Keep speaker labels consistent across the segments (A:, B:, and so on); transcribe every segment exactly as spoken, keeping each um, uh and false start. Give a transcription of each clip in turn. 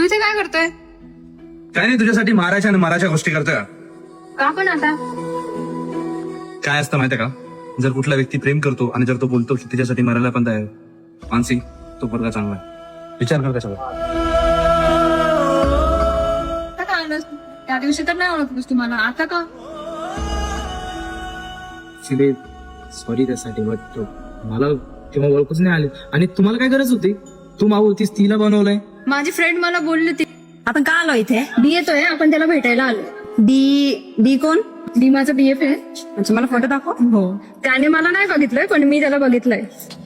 A: तू इथे काय करतोय?
B: काय नाही, तुझ्यासाठी मारायच्या आणि मारायच्या गोष्टी करतोय.
A: का पण आता?
B: काय असतं माहितीये का, जर कुठला व्यक्ती प्रेम करतो आणि जर तो बोलतो की तिच्यासाठी मरायला पण तयार, मानसी तो पोरगा चांगला आहे. विचार कर त्याच्यावर.
A: आता का आलंस? त्या दिवशी तर नाही ओळखलंस तुम्हाला, आता का?
C: सॉरी त्यासाठी, बट मला तेव्हा ओळखच नाही आली. आणि तुम्हाला काय गरज होती? तू माऊ होतीस, तिला बनवलंय.
A: माझी फ्रेंड मला बोलली ती
D: आपण का आलो इथे?
A: डी येतोय, आपण त्याला भेटायला आलो.
D: डी डी कोण?
A: डी माझा बीएफ आहे.
D: अच्छा, मला फोटो दाखव.
A: हो, त्याने मला नाही बघितलंय पण मी त्याला बघितलंय.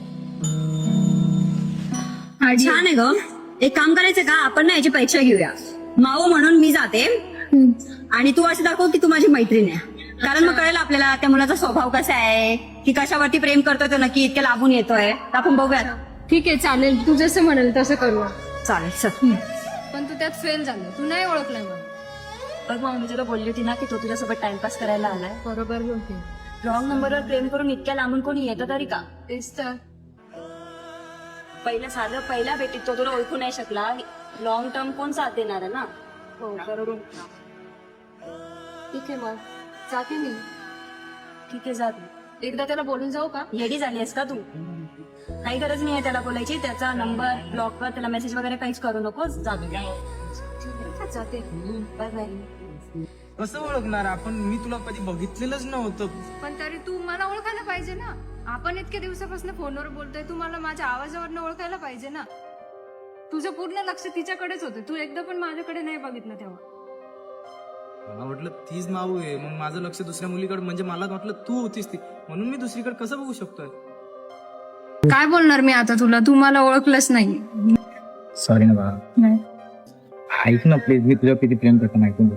A: हा, डी.
D: छान आहे ग. एक काम करायचं का, आपण ना याची परीक्षा घेऊया. माऊ म्हणून मी जाते
A: हम्म.
D: आणि तू असं दाखव की तू माझी मैत्रीण आहे. कारण मग कळेल आपल्याला त्या मुलाचा स्वभाव कसा आहे, की कशावरती प्रेम करतोय तो नक्की इतके लाभून येतोय. आपण बघूया.
A: ठीक आहे, चालेल, तू जसं म्हणेल तसं करूया.
D: चालेल चल.
A: पण तू त्यात फेल झालं, तू नाही ओळखलाय मला.
D: बघ मग मी तुला बोलली होती ना की तो तुझ्यासोबत टाइमपास करायला आलाय.
A: बरोबर बोलते.
D: रॉंग नंबरवर प्रेम करून इतक्या लांबून कोणी येतं तरी का?
A: तेच तर.
D: पहिलं साधं पहिल्या भेटीत तो तुला ओळखू नाही शकला. लॉंग टर्म कोण साथ देणार आहे ना?
A: हो, बरोबर. ठीक आहे, मग जाते मी.
D: ठीक आहे जा.
A: एकदा त्याला बोलून जाऊ का?
D: येडी झाली आहेस का तू? काही गरज नाहीये त्याला बोलायची. त्याचा नंबर ब्लॉक कर, त्याला मेसेज वगैरे काहीच करू नकोस. जा.
A: जाते.
D: Bye bye.
C: कसं ओळखणार आपण? मी तुला कधी बघितलेलंच नव्हतं.
A: पण तरी तू मला ओळखायला पाहिजे ना. आपण इतक्या दिवसापासून फोनवर बोलतोय, तू मला माझ्या आवाजावरनं ओळखायला पाहिजे ना. तुझं पूर्ण लक्ष तिच्याकडेच होतं, तू एकदा पण माझ्याकडे नाही बघितलं तेव्हा.
C: मला वाटलं तीच माऊ आहे, मग माझं लक्ष दुसऱ्या मुलीकडे, म्हणजे मला वाटलं तू होतीस ती, म्हणून मी दुसरीकडे कसं बघू शकतोय?
A: काय बोलणार मी आता तुला, तू मला ओळखलंच नाही.
C: सॉरी ना बाळा. ऐक ना प्लीज, मी तुझ्या किती प्रेम करतो ऐकून.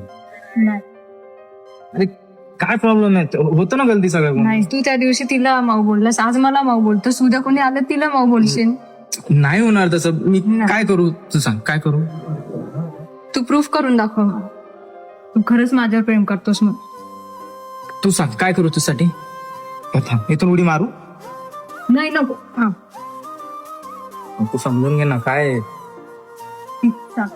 C: अरे काय प्रॉब्लेम आहे, होतं ना गलती सगळं.
A: नाही, तू त्या दिवशी तिला माऊ बोललास, आज मला माऊ बोलतोस, उद्या कोणी आलं तिला माऊ बोलशील.
C: नाही होणार तसं. मी काय करू तू सांग, काय करू?
A: तू प्रूफ करून दाखव मला. तू खरंच माझ्यावर प्रेम करतोस मग.
C: तू सांग काय करू तुझ्यासाठी? इथून उडी मारू?
A: नाही, नको. हा,
C: तू समजून घे ना काय.
A: सांग.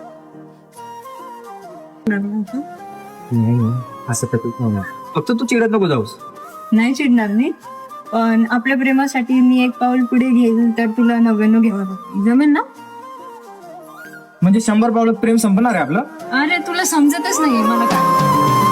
C: असं फक्त तू चिडत नको जाऊस.
A: नाही चिडणार मी, पण आपल्या प्रेमासाठी मी एक पाऊल पुढे घेईल तर तुला नव्याण्णव घ्यावं लागेल. जमेल ना?
C: म्हणजे शंभर पावलं प्रेम संपणार आहे आपलं?
A: अरे तुला समजतच नाही मला काय.